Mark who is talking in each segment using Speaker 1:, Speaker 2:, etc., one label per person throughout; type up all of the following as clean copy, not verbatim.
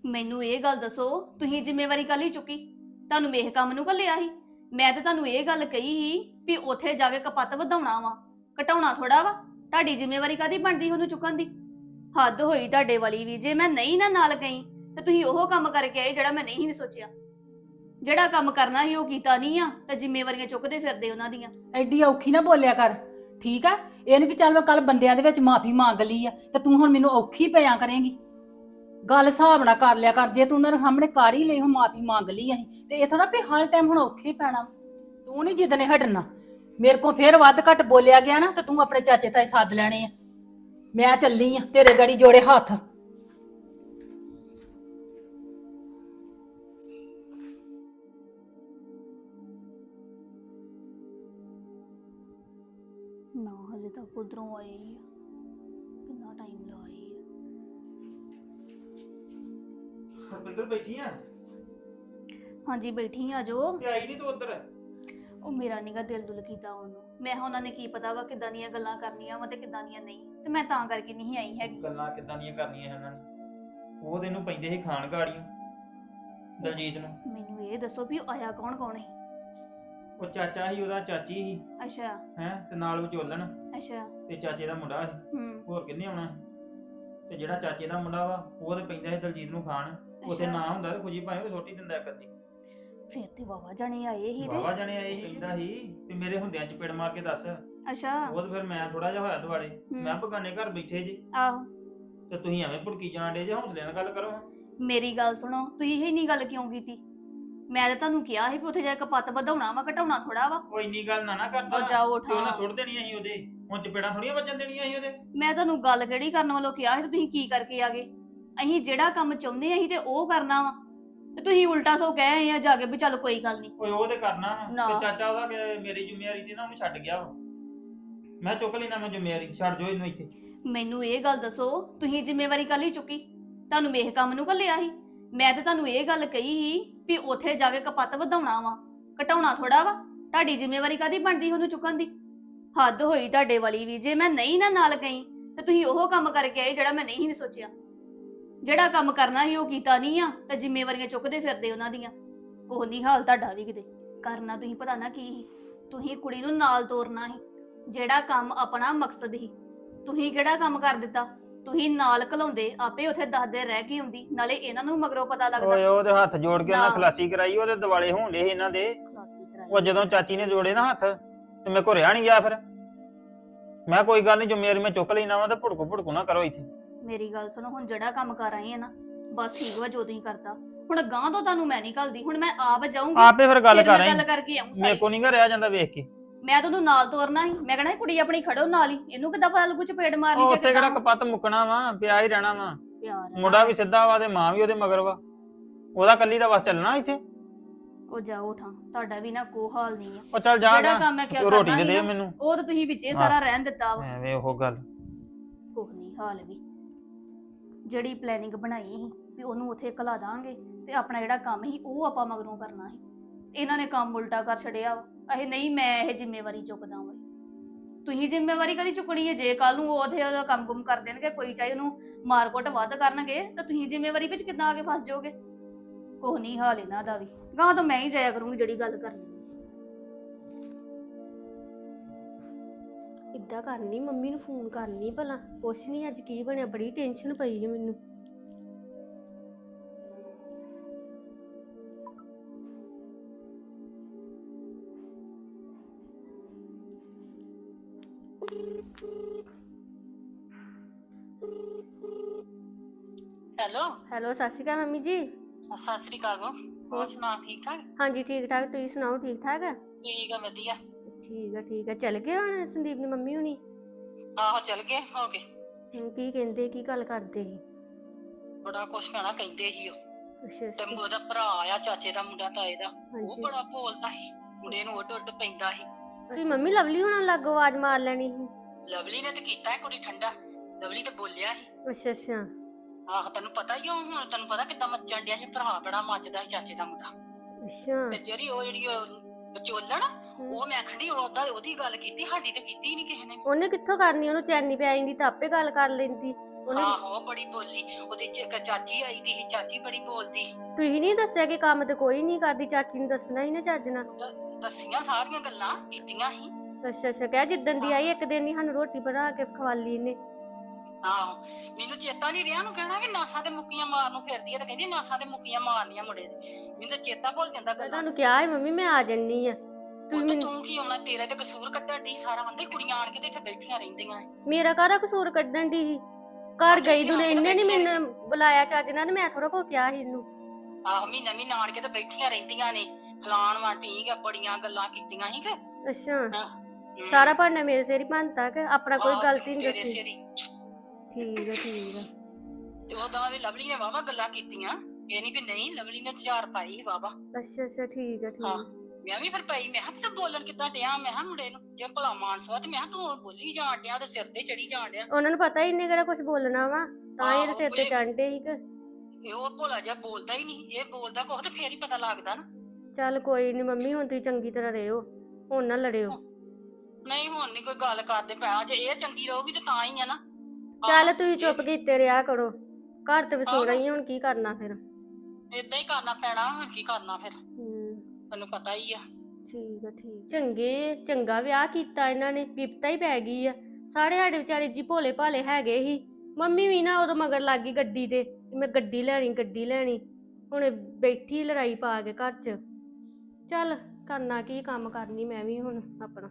Speaker 1: ਮੈਨੂੰ ਇਹ ਗੱਲ ਦੱਸੋ, ਤੁਸੀਂ ਜ਼ਿੰਮੇਵਾਰੀ ਕੱਲ ਹੀ ਚੁੱਕੀ? ਤੁਹਾਨੂੰ ਮੇਹ ਕੰਮ ਨੂੰ ਘੱਲਿਆ ਸੀ? ਮੈਂ ਤਾਂ ਤੁਹਾਨੂੰ ਇਹ ਗੱਲ ਕਹੀ ਸੀ ਵੀ ਉੱਥੇ ਜਾ ਕੇ ਕਪੱਤ ਵਧਾਉਣਾ ਵਾ, ਘਟਾਉਣਾ ਥੋੜਾ ਵਾ। ਤੁਹਾਡੀ ਜ਼ਿੰਮੇਵਾਰੀ ਕਾਦੀ ਬਣਦੀ ਉਹਨੂੰ ਚੁੱਕਣ ਦੀ? ਹੱਦ ਹੋਈ ਤੁਹਾਡੇ ਵਾਲੀ ਵੀ। ਜੇ ਮੈਂ ਨਹੀਂ ਨਾ ਨਾਲ ਗਈ ਤੇ ਤੁਸੀਂ ਉਹ ਕੰਮ ਕਰਕੇ ਆਏ ਜਿਹੜਾ ਮੈਂ ਨਹੀਂ ਵੀ ਸੋਚਿਆ। ਜਿਹੜਾ ਕੰਮ ਕਰਨਾ ਸੀ ਉਹ ਕੀਤਾ ਨਹੀਂ ਆ ਤੇ ਜ਼ਿੰਮੇਵਾਰੀਆਂ ਚੁੱਕਦੇ ਫਿਰਦੇ ਉਹਨਾਂ ਦੀਆਂ।
Speaker 2: ਐਡੀ ਔਖੀ ਨਾ ਬੋਲਿਆ ਕਰ, ਠੀਕ ਆ? ਇਹ ਨਹੀਂ ਵੀ ਚੱਲ ਮੈਂ ਕੱਲ ਬੰਦਿਆਂ ਦੇ ਵਿੱਚ ਮਾਫੀ ਮੰਗ ਲਈ ਆ ਤੇ ਤੂੰ ਹੁਣ ਮੈਨੂੰ ਔਖੀ ਪਿਆ ਕਰੇਂਗੀ। ਗੱਲ ਹਿਸਾਬ ਨਾਲ ਕਰ ਲਿਆ ਕਰ। ਜੇ ਤੂੰ ਉਹਨਾਂ ਦੇ ਸਾਹਮਣੇ ਕਰ ਹੀ ਲਈ, ਹੁਣ ਮਾਫੀ ਮੰਗ ਲਈ ਅਸੀਂ, ਤੇ ਇਹ ਥੋੜਾ ਵੀ ਹਰ ਟਾਈਮ ਹੁਣ ਔਖੇ ਪੈਣਾ। ਤੂੰ ਨਹੀਂ ਜਿੱਦ ਨੇ ਹਟਣਾ। ਮੇਰੇ ਕੋਲ ਫੇਰ ਵੱਧ ਘੱਟ ਬੋਲਿਆ ਗਿਆ ਨਾ ਤੇ ਤੂੰ ਆਪਣੇ ਚਾਚੇ ਤਾਏ ਸੱਦ ਲੈਣੇ ਆ। ਮੈਂ ਚੱਲੀ ਆ, ਤੇਰੇ ਗੜੀ ਜੋੜੇ ਹੱਥ।
Speaker 1: ਨਾ ਹਲੇ ਤੱਕ ਉਧਰੋਂ ਆਏ ਹੀ ਆ, ਕਿੰਨਾ ਟਾਈਮ ਲਾਏ ਆ।
Speaker 3: ਹਰਪਿੰਦਰ ਬੈਠੀ ਆ?
Speaker 1: ਹਾਂਜੀ ਬੈਠੀ ਆ ਜੋ।
Speaker 3: ਤੇ ਆਈ ਨਹੀਂ ਤੂੰ ਉੱਧਰ?
Speaker 1: ਉਹ ਮੇਰਾ ਨੀਗਾ ਦਿਲ ਦੁਲ ਕੀਤਾ ਉਹਨੂੰ। ਮੈਂ ਉਹਨਾਂ ਨੇ ਕੀ ਪਤਾ ਵਾ ਕਿੱਦਾਂ ਦੀਆਂ ਗੱਲਾਂ ਕਰਨੀਆਂ ਵਾ ਤੇ ਕਿੱਦਾਂ ਦੀਆਂ ਨਹੀਂ, ਤੇ ਮੈਂ ਤਾਂ ਕਰਕੇ ਨਹੀਂ ਆਈ ਹੈਗੀ।
Speaker 3: ਗੱਲਾਂ ਕਿੱਦਾਂ ਦੀਆਂ ਕਰਨੀਆਂ ਇਹਨਾਂ ਨੇ? ਉਹ ਤੈਨੂੰ ਪੈਂਦੇ ਸੀ ਖਾਣ ਗਾੜੀਆਂ ਦਲਜੀਤ ਨੂੰ।
Speaker 1: ਮੈਨੂੰ ਇਹ ਦੱਸੋ ਵੀ ਉਹ ਆਇਆ ਕੌਣ ਕੌਣ ਹੈ?
Speaker 3: ਉਹ ਚਾਚਾ ਸੀ, ਉਹਦਾ ਚਾਚੀ ਸੀ
Speaker 1: ਅੱਛਾ
Speaker 3: ਹੈ, ਤੇ ਨਾਲ ਵਿਚੋਲਣ
Speaker 1: ਅੱਛਾ।
Speaker 3: ਤੇ ਚਾਚੇ ਦਾ ਮੁੰਡਾ ਸੀ।
Speaker 1: ਹੂੰ
Speaker 3: ਹੋਰ ਕਿੰਨੇ ਆਉਣਾ ਸੀ? ਤੇ ਜਿਹੜਾ ਚਾਚੇ ਦਾ ਮੁੰਡਾ ਵਾ ਉਹ ਤੇ ਪੈਂਦਾ ਸੀ ਦਲਜੀਤ ਨੂੰ ਖਾਣ। ਉੱਥੇ
Speaker 1: ਅੱਛਾ।
Speaker 3: ਨਾ ਹੁੰਦਾ ਤੇ ਖੁਸ਼ੀ ਭਾਵੇਂ ਉਹ ਛੋਟੀ ਦਿੰਦਾ ਕਰਦੀ।
Speaker 1: ਫਿਰ ਤੇ ਵਾਵਾ ਜਾਣੇ ਆਏ ਹੀ
Speaker 3: ਬਾਬਾ
Speaker 1: ਤੇ।
Speaker 3: ਜਾਣੇ ਆਏ ਸੀ, ਕਹਿੰਦਾ ਸੀ ਤੇ ਮੇਰੇ ਹੁੰਦਿਆਂ ਚਪੇੜ ਮਾਰ ਕੇ ਦੱਸ।
Speaker 1: ਅੱਛਾ
Speaker 3: ਉਹ ਤੇ ਫਿਰ ਮੈਂ ਥੋੜਾ ਜਿਹਾ ਹੋਇਆ ਦੁਆਲੇ। ਮੈਂ ਬਗਾਨੇ ਘਰ ਬੈਠੇ ਜੀ
Speaker 1: ਆਹੋ।
Speaker 3: ਤੇ ਤੁਸੀਂ ਐਵੇਂ ਭੁੜਕੀ ਜਾਣ ਡੇ ਜੇ। ਹੌਸਲੇ ਨਾਲ ਗੱਲ ਕਰੋ।
Speaker 1: ਮੇਰੀ ਗੱਲ ਸੁਣੋ, ਤੁਸੀਂ ਇਹ ਨਹੀਂ ਗੱਲ ਕਿਉਂ ਕੀਤੀ? ਮੈਂ ਤਾਂ ਤੁਹਾਨੂੰ ਕਿਹਾ ਸੀ ਵੀ ਉੱਥੇ ਜਾ ਕੇ ਕਪੱਤ ਵਧਾਉਣਾ ਵਾ, ਘਟਾਉਣਾ ਥੋੜਾ ਵਾ।
Speaker 3: ਉਹ ਇੰਨੀ ਗੱਲ ਨਾ ਕਰਦਾ।
Speaker 1: ਉਹ ਜਾਓ
Speaker 3: ਤੇ ਉਹਨਾਂ
Speaker 1: ਉਠਾ।
Speaker 3: ਸੁੱਟ ਦੇਣੀ ਅਸੀਂ ਉਹਦੇ। ਹੁਣ ਚਪੇੜਾਂ ਥੋੜੀਆਂ ਵੱਜਣ ਦੇਣੀਆਂ ਅਸੀਂ ਉਹਦੇ।
Speaker 1: ਮੈਂ ਤੁਹਾਨੂੰ ਗੱਲ ਕਿਹੜੀ ਕਰਨ ਵੱਲੋਂ ਕਿਹਾ ਸੀ ਤੇ ਤੁਸੀਂ ਕੀ ਕਰਕੇ ਆ ਗਏ? ਅਸੀਂ ਜਿਹੜਾ ਕੰਮ ਚਾਹੁੰਦੇ ਅਸੀਂ ਤੇ ਉਹ ਕਰਨਾ ਵਾ, ਤੇ ਤੁਸੀਂ ਉਲਟਾ ਸੋ ਕਹਿ ਆਏ ਆ ਜਾ ਕੇ ਵੀ ਚੱਲ ਕੋਈ ਗੱਲ ਨਹੀਂ।
Speaker 3: ਓਏ ਉਹ ਤੇ ਕਰਨਾ ਵਾ।
Speaker 1: ਨਾ।
Speaker 3: ਤੇ ਚਾਚਾ ਉਹਦਾ ਮੇਰੀ ਜ਼ਿੰਮੇਵਾਰੀ ਦੀ ਨਾ ਉਹਨੂੰ ਛੱਡ ਗਿਆ ਵਾ। ਮੈਂ ਚੁੱਕ ਲੈਣਾ, ਮੈਂ ਜ਼ਿੰਮੇਵਾਰੀ ਛੱਡ ਜੋ ਇਹਨੂੰ ਇੱਥੇ।
Speaker 1: ਮੈਨੂੰ ਇਹ ਗੱਲ ਦੱਸੋ, ਤੁਸੀਂ ਜ਼ਿੰਮੇਵਾਰੀ ਕੱਲ ਹੀ ਚੁੱਕੀ? ਤੁਹਾਨੂੰ ਮੇਹ ਕੰਮ ਨੂੰ ਘੱਲਿਆ ਸੀ? ਮੈਂ ਤਾਂ ਤੁਹਾਨੂੰ ਇਹ ਗੱਲ ਕਹੀ ਸੀ ਵੀ ਉੱਥੇ ਜਾ ਕੇ ਕਪੱਤ ਵਧਾਉਣਾ ਵਾ, ਘਟਾਉਣਾ ਥੋੜਾ ਵਾ। ਤੁਹਾਡੀ ਜ਼ਿੰਮੇਵਾਰੀ ਕਾਦੀ ਬਣਦੀ ਉਹਨੂੰ ਚੁੱਕਣ ਦੀ? ਹੱਦ ਹੋਈ ਤੁਹਾਡੇ ਵਾਲੀ ਵੀ। ਜੇ ਮੈਂ ਨਹੀਂ ਨਾ ਨਾਲ ਗਈ ਤੇ ਤੁਸੀਂ ਉਹ ਕੰਮ ਕਰਕੇ ਆਏ ਜਿਹੜਾ ਮੈਂ ਨਹੀਂ ਵੀ ਸੋਚਿਆ। ਜਿਹੜਾ ਕੰਮ ਕਰਨਾ ਸੀ ਉਹ ਕੀਤਾ ਨਹੀਂ ਆ ਤੇ ਜ਼ਿੰਮੇਵਾਰੀਆਂ ਚੁੱਕਦੇ ਫਿਰਦੇ ਉਹਨਾਂ ਦੀਆਂ। ਕੋਹ ਨਹੀਂ ਹਾਲ ਤੁਹਾਡਾ ਵੀ ਕਿਤੇ। ਕਰਨਾ ਤੁਸੀਂ ਪਤਾ ਨਾ ਕੀ ਸੀ? ਤੁਸੀਂ ਕੁੜੀ ਨੂੰ ਨਾਲ ਤੋਰਨਾ ਸੀ, ਜਿਹੜਾ ਕੰਮ ਆਪਣਾ ਮਕਸਦ ਸੀ। ਤੁਸੀਂ ਕਿਹੜਾ ਕੰਮ ਕਰ ਦਿੱਤਾ? ਤੁਸੀਂ ਨਾਲ ਘਲਾਉਂਦੇ, ਆਪੇ ਉੱਥੇ ਦੱਸਦੇ ਰਹਿ ਕੇ ਹੁੰਦੀ, ਨਾਲੇ ਇਹਨਾਂ ਨੂੰ ਮਗਰੋਂ ਪਤਾ ਲੱਗਦਾ।
Speaker 3: ਓਏ ਉਹਦੇ ਹੱਥ ਜੋੜ ਕੇ ਉਹਨਾਂ
Speaker 1: ਨਾ।
Speaker 3: ਖਲਾਸੀ ਕਰਾਈ। ਉਹਦੇ ਦਿਵਾਲੇ ਹੋਣ ਡੇ ਸੀ ਇਹਨਾਂ ਦੇ।
Speaker 1: ਖਲਾਸੀ ਕਰਾਈ।
Speaker 3: ਉਹ ਜਦੋਂ ਚਾਚੀ ਨੇ ਜੋੜੇ ਨਾ ਹੱਥ ਤੇ ਮੇਰੇ ਕੋਲ ਰਿਹਾ ਨਹੀਂ ਗਿਆ। ਫਿਰ ਮੈਂ ਕੋਈ ਗੱਲ ਨਹੀਂ, ਜ਼ਿੰਮੇਵਾਰੀ ਮੈਂ ਚੁੱਕ ਲੈਣਾ ਵਾ। ਤੇ ਭੁੜਕੂ ਨਾ ਕਰੋ ਇੱਥੇ।
Speaker 1: ਮੇਰੀ ਗੱਲ ਸੁਣੋ, ਹੁਣ ਜਿਹੜਾ ਕੰਮ ਕਰ ਆਏ ਆ ਨਾ, ਬਸ ਠੀਕ ਵਾ ਜੋ ਤੁਸੀਂ ਕਰਤਾ। ਹੁਣ ਗਾਂ ਤੋਂ ਤੁਹਾਨੂੰ ਮੈਂ ਨਹੀਂ ਘੱਲਦੀ। ਹੁਣ ਮੈਂ ਆਪ ਜਾਊਂਗੀ,
Speaker 3: ਆਪੇ ਫਿਰ ਗੱਲ
Speaker 1: ਫਿਰ
Speaker 3: ਕਰ
Speaker 1: ਮੈਂ
Speaker 3: ਆਈ।
Speaker 1: ਗੱਲ ਕਰਕੇ ਆਉਂ
Speaker 3: ਮੇਰੇ
Speaker 1: ਸਾਰੀ।
Speaker 3: ਕੋ ਨਹੀਂ ਗਾ ਰਿਹਾ ਜਾਂਦਾ ਵੇਖ ਕੇ।
Speaker 1: ਮੈਂ ਤੁਹਾਨੂੰ ਨਾਲ ਤੋਰਨਾ ਸੀ। ਮੈਂ ਕਹਿਣਾ ਸੀ ਕੁੜੀ ਆਪਣੀ ਖੜੋ ਨਾਲ ਹੀ, ਇਹਨੂੰ ਕਿੱਦਾਂ ਪਤਾ ਲੱਗੂ ਚਪੇੜ ਮਾਰਨੀ
Speaker 3: ਉਹ
Speaker 1: ਤੇ
Speaker 3: ਉੱਥੇ ਕਿਹੜਾ ਕਪੱਤ ਮੁੱਕਣਾ ਵਾ, ਪਿਆ ਹੀ ਰਹਿਣਾ ਵਾ।
Speaker 1: ਪਿਆਰ
Speaker 3: ਮੁੰਡਾ ਵੀ ਸਿੱਧਾ ਵਾ ਤੇ ਮਾਂ ਵੀ ਉਹਦੇ ਮਗਰ ਵਾ। ਉਹਦਾ ਕੱਲੀ ਦਾ ਬਸ ਚੱਲਣਾ ਇੱਥੇ।
Speaker 1: ਉਹ ਜਾਓ ਠਾਂ, ਤੁਹਾਡਾ ਵੀ ਨਾ ਕੋ ਹਾਲ ਨਹੀਂ ਆ।
Speaker 3: ਉਹ ਚੱਲ ਜਾ
Speaker 1: ਜਿਹੜਾ
Speaker 3: ਗਾ।
Speaker 1: ਕੰਮ ਮੈਂ ਕਿਹਾ
Speaker 3: ਤੂੰ ਰੋਟੀ
Speaker 1: ਕਰਨਾ
Speaker 3: ਤੇ
Speaker 1: ਸੀ
Speaker 3: ਦੇ
Speaker 1: ਨਾ,
Speaker 3: ਮੈਨੂੰ।
Speaker 1: ਉਹ ਤਾਂ ਤੁਸੀਂ ਵਿੱਚੇ
Speaker 3: ਹਾਂ।
Speaker 1: ਸਾਰਾ ਰਹਿਣ ਦਿੱਤਾ ਵਾ।
Speaker 3: ਐਵੇਂ ਉਹ ਗੱਲ।
Speaker 1: ਕੁਛ ਨਹੀਂ ਹਾਲ ਵੀ। ਜਿਹੜੀ ਪਲੈਨਿੰਗ ਬਣਾਈ ਸੀ ਵੀ ਉਹਨੂੰ ਉੱਥੇ ਘਲਾ ਦਾਂਗੇ ਤੇ ਆਪਣਾ ਜਿਹੜਾ ਕੰਮ ਸੀ ਉਹ ਆਪਾਂ ਮਗਰੋਂ ਕਰਨਾ ਸੀ, ਇਹਨਾਂ ਨੇ ਕੰਮ ਉਲਟਾ ਕਰ ਛੜਿਆ ਵਾ। ਇਹ ਨਹੀਂ, ਮੈਂ ਇਹ ਜ਼ਿੰਮੇਵਾਰੀ ਚੁੱਕਦਾ ਵਾ। ਤੁਸੀਂ ਜ਼ਿੰਮੇਵਾਰੀ ਕਦੀ ਚੁੱਕਣੀ ਹੈ? ਜੇ ਕੱਲ ਨੂੰ ਉਹਦੇ ਉਹਦਾ ਕੰਮ ਗੁੰਮ ਕਰ ਦੇਣਗੇ, ਕੋਈ ਚਾਹੇ ਉਹਨੂੰ ਮਾਰਕੁੱਟ ਵੱਧ ਕਰਨਗੇ, ਤਾਂ ਤੁਸੀਂ ਜ਼ਿੰਮੇਵਾਰੀ ਵਿੱਚ ਕਿੱਦਾਂ ਆ ਕੇ ਫਸ ਜਾਓਗੇ? ਕੁਛ ਨਹੀਂ ਹਾਲ ਇਹਨਾਂ ਦਾ ਵੀ। ਗਾਂ ਤਾਂ ਮੈਂ ਹੀ ਜਾਇਆ ਕਰੂੰਗੀ ਜਿਹੜੀ ਗੱਲ ਕਰਨੀ।
Speaker 4: ਇੱਦਾਂ ਕਰਨੀ, ਮੰਮੀ ਨੂੰ ਫੋਨ ਕਰਨੀ ਭਲਾ, ਪੁੱਛਣੀ ਅੱਜ ਕੀ ਬਣਿਆ। ਬੜੀ ਟੈਨਸ਼ਨ ਪਈ ਹੈ ਮੈਨੂੰ।
Speaker 5: ਹੈਲੋ,
Speaker 4: ਹੈਲੋ, ਸਤਿ ਸ਼੍ਰੀ ਅਕਾਲ ਮੰਮੀ ਜੀ।
Speaker 5: ਸਤਿ ਸ੍ਰੀ ਅਕਾਲ। ਹੋਰ ਸੁਣਾ, ਠੀਕ ਠਾਕ?
Speaker 4: ਹਾਂਜੀ ਠੀਕ ਠਾਕ, ਤੁਸੀਂ ਸੁਣਾਓ? ਠੀਕ ਠਾਕ ਆ?
Speaker 5: ਠੀਕ ਆ, ਵਧੀਆ।
Speaker 4: ਠੀਕ ਆ। ਚੱਲ ਗਏ ਹੁਣ ਸੰਦੀਪ ਦੀ ਮੰਮੀ ਹੁਣੀ?
Speaker 5: ਆਹੋ ਚੱਲ ਗਏ ਹੋ ਕੇ।
Speaker 4: ਕੀ ਕਹਿੰਦੇ, ਕੀ ਗੱਲ ਕਰਦੇ ਸੀ?
Speaker 5: ਬੜਾ ਕੁਛ ਕਹਿਣਾ ਕਹਿੰਦੇ ਸੀ ਉਹ।
Speaker 4: ਅੱਛਾ
Speaker 5: ਤੇ
Speaker 4: ਅੱਛਾ।
Speaker 5: ਉਹਦਾ ਭਰਾ ਆ, ਚਾਚੇ ਦਾ ਮੁੰਡਾ, ਤਾਏ ਦਾ, ਉਹ
Speaker 4: ਹਾਂਜੀ।
Speaker 5: ਬੜਾ ਬੋਲਦਾ ਸੀ। ਮੁੰਡੇ ਨੂੰ ਉੱਡ ਉੱਡ ਪੈਂਦਾ ਸੀ।
Speaker 4: ਤੁਸੀਂ ਮੰਮੀ ਲਵਲੀ ਹੁਣਾਂ ਨੂੰ ਲਾਗੋ ਆਵਾਜ਼ ਮਾਰ ਲੈਣੀ ਸੀ।
Speaker 5: ਲਵਲੀ ਨੇ ਤੇ ਕੀਤਾ ਹੈ ਕੁੜੀ ਠੰਡਾ। ਲਵਲੀ ਤੇ ਬੋਲਿਆ ਸੀ।
Speaker 4: ਅੱਛਾ।
Speaker 5: ਆਹੋ, ਤੈਨੂੰ ਪਤਾ ਹੀ ਉਹ। ਹੁਣ ਤੈਨੂੰ ਪਤਾ ਕਿੱਦਾਂ ਮੱਚਣ ਡਿਆ ਸੀ। ਭਰਾ ਬੜਾ ਮੱਚਦਾ ਸੀ ਚਾਚੇ ਦਾ ਮੁੰਡਾ।
Speaker 4: ਅੱਛਾ।
Speaker 5: ਤੇ ਜਿਹੜੀ ਉਹ ਵਿਚੋਲਣ, ਉਹ ਮੈਂ ਖੜੀ ਉਹਦੀ ਗੱਲ ਕੀਤੀ, ਸਾਡੀ ਤੇ ਕੀਤੀ ਹੀ ਨਹੀਂ ਕਿਸੇ ਨੇ।
Speaker 4: ਉਹਨੇ ਕਿੱਥੋਂ ਕਰਨੀ? ਉਹਨੂੰ ਚੈਨੀ ਪੈ ਜਾਂਦੀ ਤਾਂ ਆਪੇ ਗੱਲ ਕਰ ਲੈਂਦੀ। ਉਹਨੇ
Speaker 5: ਆਹੋ ਬੜੀ ਬੋਲੀ, ਉਹਦੀ ਇੱਕ ਚਾਚੀ ਆਈ ਦੀ ਸੀ, ਚਾਚੀ ਬੜੀ ਬੋਲਦੀ।
Speaker 4: ਤੁਸੀਂ ਨਹੀਂ ਦੱਸਿਆ ਕਿ ਕੰਮ ਤੇ ਕੋਈ ਨਹੀਂ ਕਰਦੀ, ਚਾਚੀ ਨੂੰ ਦੱਸਣਾ ਹੀ ਨਾ ਚੱਜ ਨਾਲ।
Speaker 5: ਦੱਸੀਆਂ ਸਾਰੀਆਂ ਗੱਲਾਂ ਕੀਤੀਆਂ ਸੀ।
Speaker 4: ਅੱਛਾ ਅੱਛਾ, ਕਹਿ ਜਿੱਦਣ ਦੀ ਆਈ ਇੱਕ ਦਿਨ ਨਹੀਂ ਸਾਨੂੰ ਰੋਟੀ ਬਣਾ ਕੇ ਖਵਾਲੀ ਇਹਨੇ।
Speaker 5: ਆਹੋ ਮੈਨੂੰ ਚੇਤਾ ਨਹੀਂ ਰਿਹਾ, ਨੂੰ ਕਹਿਣਾ ਕਿ ਨਾਸਾਂ ਤੇ ਮੁੱਕੀਆਂ ਮਾਰਨ ਨੂੰ ਫਿਰਦੀ ਹੈ, ਤੇ ਕਹਿੰਦੀ ਨਾਸਾਂ ਤੇ ਮੁੱਕੀਆਂ ਮਾਰਨੀਆਂ ਮੁੰਡੇ ਦੇ। ਮੈਨੂੰ ਤਾਂ ਚੇਤਾ ਭੁੱਲ ਜਾਂਦਾ
Speaker 4: ਮੈਂ
Speaker 5: ਗੱਲਾਂ।
Speaker 4: ਤੁਹਾਨੂੰ ਕਿਹਾ ਹੈ ਮੰਮੀ ਮੈਂ ਆ ਜੰਨੀ ਆ, ਤੁਸੀਂ
Speaker 5: ਉਹ ਤੇ
Speaker 4: ਮੈਨੂੰ
Speaker 5: ਤੂੰ ਕੀ ਆਉਣਾ, ਤੇਰੇ ਤੇ ਕਸੂਰ ਕੱਢਣ ਦੀ ਸਾਰਾ ਆਂਦੇ ਕੁੜੀਆਂ ਆਣ ਕੇ ਤੇ ਇੱਥੇ ਬੈਠੀਆਂ ਰਹਿੰਦੀਆਂ।
Speaker 4: ਮੇਰਾ ਕਾਹਦਾ ਕਸੂਰ ਕੱਢਣ ਦੀ ਸੀ? ਘਰ ਗਈ
Speaker 5: ਇੱਥੇ
Speaker 4: ਦੁਨੇ
Speaker 5: ਆਣ ਕੇ
Speaker 4: ਇਹਨੇ ਨਹੀਂ
Speaker 5: ਬੈਠੀਆਂ
Speaker 4: ਮੈਨੂੰ ਬੁਲਾਇਆ ਚੱਜ ਨਾਲ, ਮੈਂ ਥੋੜਾ ਕੋ ਕਿਹਾ ਸੀ ਇਹਨੂੰ।
Speaker 5: ਆਹੋ ਮਹੀਨਾ ਮਹੀਨਾ ਆਣ ਕੇ ਤੇ ਬੈਠੀਆਂ ਰਹਿੰਦੀਆਂ ਨੇ, ਫਲਾਣ ਵਾਂ ਠੀਕ ਆ, ਬੜੀਆਂ ਗੱਲਾਂ ਕੀਤੀਆਂ ਸੀ ਕਿ
Speaker 4: ਅੱਛਾ ਸਾਰਾ ਭਾਂਡਾ ਮੇਰੇ ਸਿਰ ਹੀ ਭੰਨਤਾ ਕਿ ਆਪਣਾ ਕੋਈ ਗਲਤੀ ਨਹੀਂ
Speaker 5: ਤੇਰੇ
Speaker 4: ਦੱਸੀ?
Speaker 5: ਸਿਰ ਹੀ।
Speaker 4: ਠੀਕ ਆ ਠੀਕ ਆ।
Speaker 5: ਤੇ ਉਹਦਾ ਵੀ ਲਵਲੀ ਨੇ ਵਾਵਾ ਗੱਲਾਂ ਕੀਤੀਆਂ, ਇਹ ਨਹੀਂ ਵੀ ਨਹੀਂ, ਲਵਲੀ ਨੇ 4 ਪਾਈ ਵਾਵਾ।
Speaker 4: ਅੱਛਾ ਅੱਛਾ ਠੀਕ ਆ ਠੀਕ
Speaker 5: ਹਾਂ
Speaker 4: ਆ।
Speaker 5: ਮੈਂ ਵੀ ਫਿਰ ਪਈ, ਮੈਂ ਕਿਹਾ ਤੂੰ ਬੋਲਣ ਕਿੱਦਾਂ ਡਿਆ, ਮੈਂ ਕਿਹਾ ਮੁੰਡੇ ਨੂੰ ਜੇ ਭਲਾ ਮਾਨਸਵਾ, ਤੇ ਮੈਂ ਕਿਹਾ ਤੂੰ ਬੋਲੀ ਜਾਣ ਡਿਆ ਤੇ ਸਿਰ ਤੇ ਚੜੀ ਜਾਣ ਡਿਆ।
Speaker 4: ਉਹਨਾਂ ਨੂੰ ਪਤਾ ਹੀ ਨਹੀਂ ਕਿਹੜਾ ਕੁਝ ਬੋਲਣਾ ਵਾ, ਤਾਂ ਹੀ ਇਹਦੇ
Speaker 5: ਆਹੋ,
Speaker 4: ਸਿਰ ਤੇ
Speaker 5: ਭੁਲੇ-
Speaker 4: ਚੜ੍ਹਦੇ ਸੀ ਕਿ।
Speaker 5: ਇਹ ਉਹ ਭੋਲਾ ਜਿਹਾ ਬੋਲਦਾ ਹੀ ਨਹੀਂ, ਇਹ ਬੋਲਦਾ ਕੁਛ ਤੇ ਫੇਰ ਹੀ ਪਤਾ ਲੱਗਦਾ ਨਾ।
Speaker 4: ਚੱਲ ਕੋਈ ਨਹੀਂ ਮੰਮੀ, ਹੁਣ ਤੁਸੀਂ ਚੰਗੀ ਤਰ੍ਹਾਂ ਰਹਿਓ, ਹੁਣ ਨਾ ਲੜਿਓ।
Speaker 5: ਨਹੀਂ ਹੁਣ ਨਹੀਂ ਕੋਈ ਗੱਲ ਕਰਦੇ ਪਿਆ, ਜੇ ਇਹ ਚੰਗੀ ਰਹੂਗੀ ਤੇ ਤਾਂ ਹੀ ਆ ਨਾ।
Speaker 4: ਚੱਲ ਤੁਸੀਂ ਚੁੱਪ ਕੀਤੇ ਰਿਹਾ ਕਰੋ, ਘਰ ਤੇ ਵਸੋਣਾ ਹੀ, ਹੁਣ ਕੀ ਕਰਨਾ ਫਿਰ।
Speaker 5: ਏਦਾਂ ਹੀ ਕਰਨਾ ਪੈਣਾ, ਹੁਣ ਕੀ ਕਰਨਾ ਫਿਰ,
Speaker 4: ਹੂੰ
Speaker 5: ਤੈਨੂੰ ਪਤਾ ਹੀ ਆ।
Speaker 4: ਠੀਕ ਆ ਠੀਕ। ਚੰਗਾ ਵਿਆਹ ਕੀਤਾ ਇਹਨਾਂ ਨੇ, ਬਿਪਤਾ ਹੀ ਪੈ ਗਈ ਆ। ਸਾਡੇ ਵਿਚਾਰੇ ਜੀ ਭੋਲੇ ਭਾਲੇ ਹੈਗੇ ਹੀ। ਮੰਮੀ ਵੀ ਨਾ ਉਦੋਂ ਮਗਰ ਲੱਗ ਗਈ ਗੱਡੀ ਤੇ, ਮੈਂ ਗੱਡੀ ਲੈਣੀ। ਹੁਣ ਬੈਠੀ ਲੜਾਈ ਪਾ ਕੇ ਘਰ 'ਚ। ਚੱਲ ਕਰਨਾ ਕੀ, ਕੰਮ ਕਰਨੀ ਮੈਂ ਵੀ ਹੁਣ ਆਪਣਾ।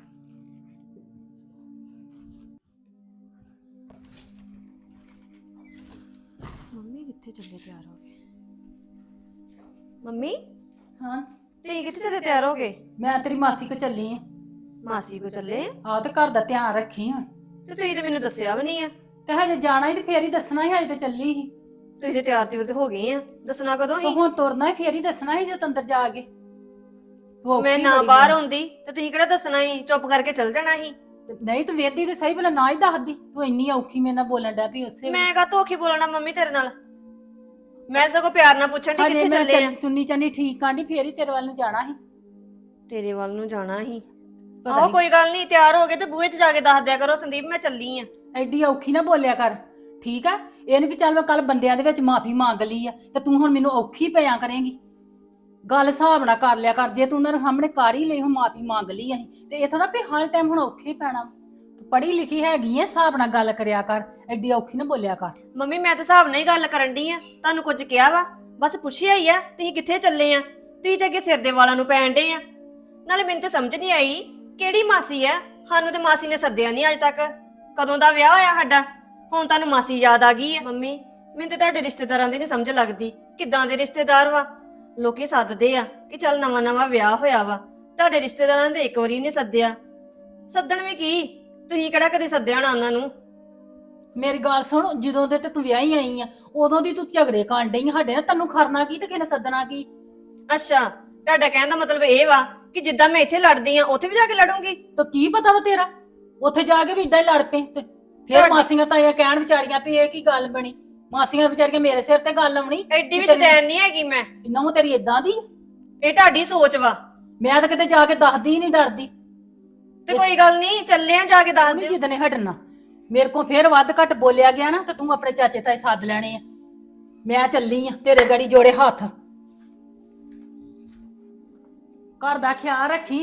Speaker 6: ਮੰਮੀ ਕਿੱਥੇ ਚੱਲੇ ਤਿਆਰ ਹੋ ਗਏ? ਮੰਮੀ
Speaker 2: ਹਾਂ
Speaker 6: ਤੁਸੀਂ ਕਿੱਥੇ ਚੱਲੇ ਤਿਆਰ ਹੋ ਗਏ?
Speaker 2: ਮੈਂ ਤੇਰੀ ਮਾਸੀ ਕੋ ਚੱਲੀ ਆ।
Speaker 6: ਮਾਸੀ ਕੋ ਚੱਲੇ ਆ?
Speaker 2: ਆਹ ਤੇ ਘਰ ਦਾ ਧਿਆਨ ਰੱਖੀ ਹੁਣ।
Speaker 6: ਤੇ ਤੁਸੀਂ ਤੇ ਮੈਨੂੰ ਦੱਸਿਆ ਵੀ ਨਹੀਂ ਆ।
Speaker 2: ਤੇ ਹਜੇ ਜਾਣਾ ਹੀ ਤੇ ਫੇਰ ਹੀ ਦੱਸਣਾ ਹੀ, ਹਜੇ ਤੇ ਚੱਲੀ ਸੀ।
Speaker 6: ਤੁਸੀਂ ਤੇ ਤਿਆਰ ਤੇ ਹੋ ਗਏ ਆ, ਦੱਸਣਾ ਕਦੋਂ
Speaker 2: ਤੇ
Speaker 6: ਸੀ?
Speaker 2: ਹੁਣ ਤੁਰਨਾ ਹੀ ਫੇਰ ਹੀ ਦੱਸਣਾ ਹੀ, ਜਦ ਅੰਦਰ ਜਾ ਕੇ ਤੂੰ ਔਖੀ
Speaker 6: ਮੈਂ ਨਾ
Speaker 2: ਬੜੀ
Speaker 6: ਬਾਹਰ
Speaker 2: ਬਣੀ।
Speaker 6: ਆਉਂਦੀ ਤੇ ਤੁਸੀਂ ਕਿਹੜਾ ਦੱਸਣਾ ਸੀ? ਚੁੱਪ ਕਰਕੇ ਚੱਲ ਜਾਣਾ ਸੀ।
Speaker 2: ਤੇ ਨਹੀਂ ਤੂੰ ਵੇਖਦੀ ਤੇ ਸਹੀ, ਭਲਾ ਨਾ ਹੀ ਦੱਸਦੀ। ਤੂੰ ਇੰਨੀ ਔਖੀ ਮੇਰੇ ਨਾਲ ਬੋਲਣ ਡਿਆ ਵੀ ਉਸੇ
Speaker 6: ਮੈਂ ਕਾ ਧੋਖੀ ਬੋਲਣਾ ਮੰਮੀ ਤੇਰੇ ਨਾਲ? ਮੈਂ ਸਗੋਂ ਪਿਆਰ ਨਾਲ ਪੁੱਛਣ ਦੀ
Speaker 2: ਹਜੇ
Speaker 6: ਕਿੱਥੇ
Speaker 2: ਮੈਂ
Speaker 6: ਚੱਲੇ ਆ।
Speaker 2: ਚੁੰਨੀ ਚਾਨੀ ਠੀਕ ਕਾਂਡੀ ਫੇਰ ਹੀ ਤੇਰੇ ਵੱਲ ਨੂੰ ਜਾਣਾ ਸੀ।
Speaker 6: ਤੇਰੇ ਵੱਲ ਨੂੰ ਜਾਣਾ ਸੀ?
Speaker 2: ਪਤਾ
Speaker 6: ਆਹੋ
Speaker 2: ਨੀ
Speaker 6: ਕੋਈ ਗੱਲ ਨਹੀਂ, ਤਿਆਰ ਹੋ ਗਏ ਤੇ ਬੂਹੇ 'ਚ ਜਾ ਕੇ ਦੱਸ ਦਿਆ ਕਰੋ ਸੰਦੀਪ ਮੈਂ ਚੱਲੀ ਆ।
Speaker 2: ਐਡੀ ਔਖੀ ਨਾ ਬੋਲਿਆ ਕਰ, ਠੀਕ ਆ? ਇਹ ਨੀ ਵੀ ਚੱਲ ਮੈਂ ਕੱਲ ਬੰਦਿਆਂ ਦੇ ਵਿੱਚ ਮਾਫੀ ਮੰਗ ਲਈ ਆ ਤੇ ਤੂੰ ਹੁਣ ਮੈਨੂੰ ਔਖੀ ਪਿਆ ਕਰੇਂਗੀ। ਗੱਲ ਹਿਸਾਬ ਨਾਲ ਕਰ ਲਿਆ ਕਰ, ਜੇ ਤੂੰ ਉਹਨਾਂ ਦੇ ਸਾਹਮਣੇ ਕਰ ਹੀ ਲਈ, ਹੁਣ ਮਾਫੀ ਮੰਗ ਲਈ ਅਸੀਂ, ਤੇ ਇਹ ਥੋੜਾ ਵੀ ਹਰ ਟਾਈਮ ਹੁਣ ਔਖੇ ਪੈਣਾ। ਤੂੰ ਪੜ੍ਹੀ ਲਿਖੀ ਹੈਗੀ ਐ, ਹਿਸਾਬ ਨਾਲ ਗੱਲ ਕਰਿਆ ਕਰ, ਐਡੀ ਔਖੀ ਨਾ ਬੋਲਿਆ ਕਰ।
Speaker 6: ਮੰਮੀ ਮੈਂ ਤਾਂ ਹਿਸਾਬ ਨਾਲ ਹੀ ਗੱਲ ਕਰਨ ਡਈ ਆ, ਤੁਹਾਨੂੰ ਕੁਝ ਕਿਹਾ ਵਾ? ਬਸ ਪੁੱਛਿਆ ਹੀ ਆ ਤੁਸੀਂ ਕਿੱਥੇ ਚੱਲੇ ਆ। ਤੁਸੀਂ ਤੇ ਅੱਗੇ ਸਿਰ ਦੇ ਵਾਲਾਂ ਨੂੰ ਪੈਣ ਡੇ ਆ। ਨਾਲੇ ਮੈਨੂੰ ਤੇ ਸਮਝ ਨਹੀਂ ਆਈ ਕਿਹੜੀ ਮਾਸੀ ਆ, ਸਾਨੂੰ ਤੇ ਮਾਸੀ ਨੇ ਸੱਦਿਆ ਨਹੀਂ ਅੱਜ ਤੱਕ। ਕਦੋਂ ਦਾ ਵਿਆਹ ਹੋਇਆ ਸਾਡਾ, ਹੁਣ ਤੁਹਾਨੂੰ ਮਾਸੀ ਯਾਦ ਆ ਗਈ ਆ? ਮੰਮੀ ਮੈਨੂੰ ਤੇ ਤੁਹਾਡੇ ਰਿਸ਼ਤੇਦਾਰਾਂ ਦੀ ਨਹੀਂ ਸਮਝ ਲੱਗਦੀ, ਕਿੱਦਾਂ ਦੇ ਰਿਸ਼ਤੇਦਾਰ ਵਾ। ਲੋਕੀ ਸੱਦਦੇ ਆ ਕਿ ਚੱਲ ਨਵਾਂ ਵਿਆਹ ਹੋਇਆ ਵਾ, ਤੁਹਾਡੇ ਰਿਸ਼ਤੇਦਾਰਾਂ ਨੇ ਇੱਕ ਵਾਰੀ ਨਹੀਂ ਸੱਦਿਆ। ਸੱਦਣ ਵੀ ਕੀ, ਤੁਸੀਂ ਕਿਹੜਾ ਕਦੇ ਸੱਦਿਆ ਨਾ ਉਹਨਾਂ ਨੂੰ?
Speaker 2: ਮੇਰੀ ਗੱਲ ਸੁਣ, ਜਦੋਂ ਦੇ ਤੇ ਤੂੰ ਵਿਆਹੀ ਆਈ ਆ ਉਦੋਂ ਦੀ ਤੂੰ ਝਗੜੇ ਕਰਨ ਡਈ ਸਾਡੇ ਨਾਲ। ਤੈਨੂੰ ਖਰਨਾ ਕੀ ਤੇ ਕਿਹਨੇ ਸੱਦਣਾ ਕੀ?
Speaker 6: ਅੱਛਾ ਤੁਹਾਡਾ ਕਹਿਣ ਦਾ ਮਤਲਬ ਇਹ ਵਾ ਕਿ ਜਿੱਦਾਂ ਮੈਂ ਇੱਥੇ ਲੜਦੀ ਆ ਉੱਥੇ ਵੀ ਜਾ ਕੇ ਲੜੂੰਗੀ?
Speaker 2: ਤਾਂ ਕੀ ਪਤਾ ਵਾ ਤੇਰਾ, ਉੱਥੇ ਜਾ ਕੇ ਵੀ ਇਦਾਂ ਹੀ ਲੜ ਪਏ ਤੇ ਫਿਰ
Speaker 6: ਤੁਹਾਡੀ-
Speaker 2: ਮਾਸੀਆਂ ਤਾਈਆਂ ਕਹਿਣ ਵਿਚਾਰੀਆਂ ਵੀ ਇਹ ਕੀ ਗੱਲ ਬਣੀ। ਮਾਸੀਆਂ ਵਿਚਾਰੀਆਂ ਮੇਰੇ ਸਿਰ ਤੇ ਗੱਲ ਆਉਣੀ।
Speaker 6: ਐਡੀ ਵੀ ਸ਼ੈਤਾਨ ਨਹੀਂ ਹੈਗੀ ਮੈਂ।
Speaker 2: ਨਹੁੰ ਤੇਰੀ ਇਦਾਂ ਦੀ,
Speaker 6: ਇਹ ਤੁਹਾਡੀ ਸੋਚ ਵਾ।
Speaker 2: ਮੈਂ ਤਾਂ ਕਿਤੇ ਜਾ ਕੇ ਦੱਸਦੀ ਨਹੀਂ, ਡਰਦੀ।
Speaker 6: ਤੇ ਕੋਈ ਗੱਲ ਨਹੀਂ, ਚੱਲੇ ਆ ਜਾ ਕੇ ਦੱਸ
Speaker 2: ਨਹੀਂ
Speaker 6: ਦਿਓ।
Speaker 2: ਜਿੱਦਨੇ ਹਟਣਾ ਮੇਰੇ ਕੋਲ ਫੇਰ ਵੱਧ ਘੱਟ ਬੋਲਿਆ ਗਿਆ ਨਾ ਤੇ ਤੂੰ ਆਪਣੇ ਚਾਚੇ ਤਾਏ ਸੱਦ ਲੈਣੇ ਆ। ਮੈਂ ਚੱਲੀ ਆ, ਤੇਰੇ ਗੜੀ ਜੋੜੇ ਹੱਥ। ਘਰ ਦਾ ਖਿਆਲ ਰੱਖੀ।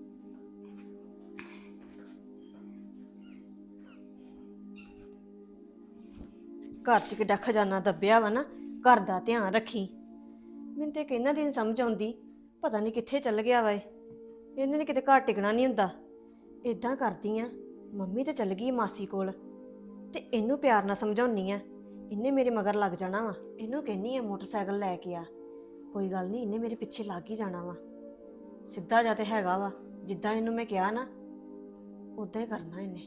Speaker 6: ਘਰ 'ਚ ਕਿੱਡਾ ਖਜ਼ਾਨਾ ਦੱਬਿਆ ਵਾ ਨਾ, ਘਰ ਦਾ ਧਿਆਨ ਰੱਖੀ। ਮੈਨੂੰ ਤੇ ਕਿੰਨਾ ਦਿਨ ਸਮਝ ਆਉਂਦੀ, ਪਤਾ ਨਹੀਂ ਕਿੱਥੇ ਚੱਲ ਗਿਆ ਵਾ ਇਹ। ਇਹਨੇ ਨੇ ਕਿਤੇ ਘਰ ਟਿਕਣਾ ਨਹੀਂ ਹੁੰਦਾ। ਇਦਾਂ ਕਰਦੀ ਆ, ਮੰਮੀ ਤੇ ਚੱਲ ਗਈ ਮਾਸੀ ਕੋਲ, ਤੇ ਇਹਨੂੰ ਪਿਆਰ ਨਾਲ ਸਮਝਾਉਣੀ ਆ। ਇਹਨੇ ਮੇਰੇ ਮਗਰ ਲੱਗ ਜਾਣਾ ਵਾ। ਇਹਨੂੰ ਕਹਿੰਨੀ ਆ ਮੋਟਰਸਾਈਕਲ ਲੈ ਕੇ ਆ। ਕੋਈ ਗੱਲ ਨਹੀਂ, ਇਹਨੇ ਮੇਰੇ ਪਿੱਛੇ ਲੱਗ ਹੀ ਜਾਣਾ ਵਾ। ਸਿੱਧਾ ਜਾ ਤੇ ਹੈਗਾ ਵਾ, ਜਿੱਦਾਂ ਇਹਨੂੰ ਮੈਂ ਕਿਹਾ ਨਾ ਉਦਾਂ ਹੀ ਕਰਨਾ ਇਹਨੇ।